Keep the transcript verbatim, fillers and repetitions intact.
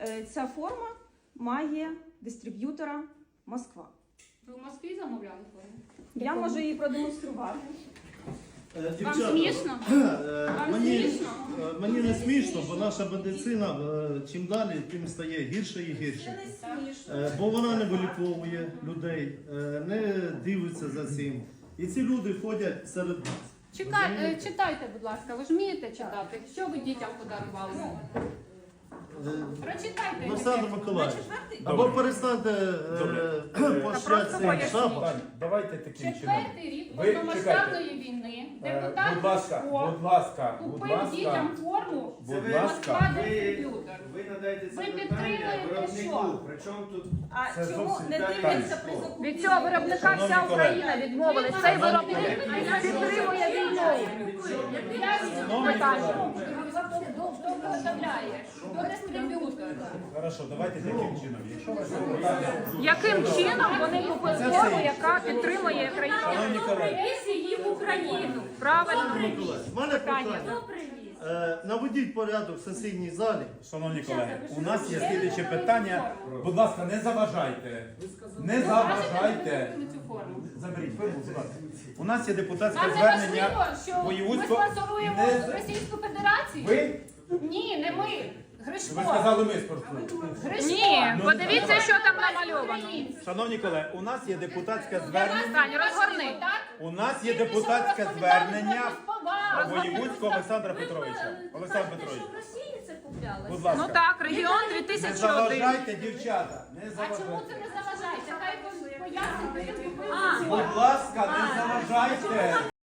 Е, Ця форма має дистриб'ютора Москва. Ви в Москві замовляли форму? Я можу її продемонструвати. Е, Вам дівчата, смішно? е, Вам мені, смішно? е, мені не смішно, бо наша медицина е, чим далі, тим стає гірше і гірше. Е, Бо вона не виліковує людей, е, не дивиться за цим. І ці люди ходять серед нас. Чекай, е, читайте, будь ласка, ви ж вмієте читати? Що ви дітям подарували? Прочитайте. Олександр Миколаївич, або Добре. перестаньте е, пощати цим поясніть. шапом. Так, давайте таким чином. Четвертий рік Ви повномасштабної війни Е, депутат Будь ласка, Ляшко будь ласка, будь купив ласка, дітям форму будь Москва ласка. дистриб'ютор. Ви надаєте це Ви питання підтримуєте виробнику. що? Причому тут А Це чому зовсім не так. дивляться при закупівлі? Від цього виробника Шановні вся колеги. Україна відмовилась. Цей виробник підтримує війну. Хто виготовляє? Хто дистриб'ютор? Хорошо, давайте таким чином. Якщо у вас є питання, Яким чином вони купили форму, яка підтримує країну? шановні колеги, її в Україну. Правильно. У мене питання. Е, Наведіть порядок в сесійній залі. шановні колеги, у нас є слідче питання. Будь ласка, не заважайте. Не заважайте. Можете цю форму? Заберіть форму, будь ласка. У нас є депутатське Вам не звернення важливо, що ми воєвудського. спонсоруємо Не- Російську Федерацію? Ви? Ні, не ми. Гришко. Ви сказали ми спортсмен. Гришко. Ні, Ну, подивіться, що там намальовано. Шановні колеги, у нас є депутатське Я вас звернення. Стань, розгорни. так? У нас є Тільки що депутатське ви розповідали звернення про повагу. воєвудського Олександра Петровича. Олександр Петрович, будь Ну ласка. так, регіон Не дві тисячі один. заважайте, дівчата. Не А чому це заважайте. не заважається? Хай пояснить. Будь ласка, не заважайте.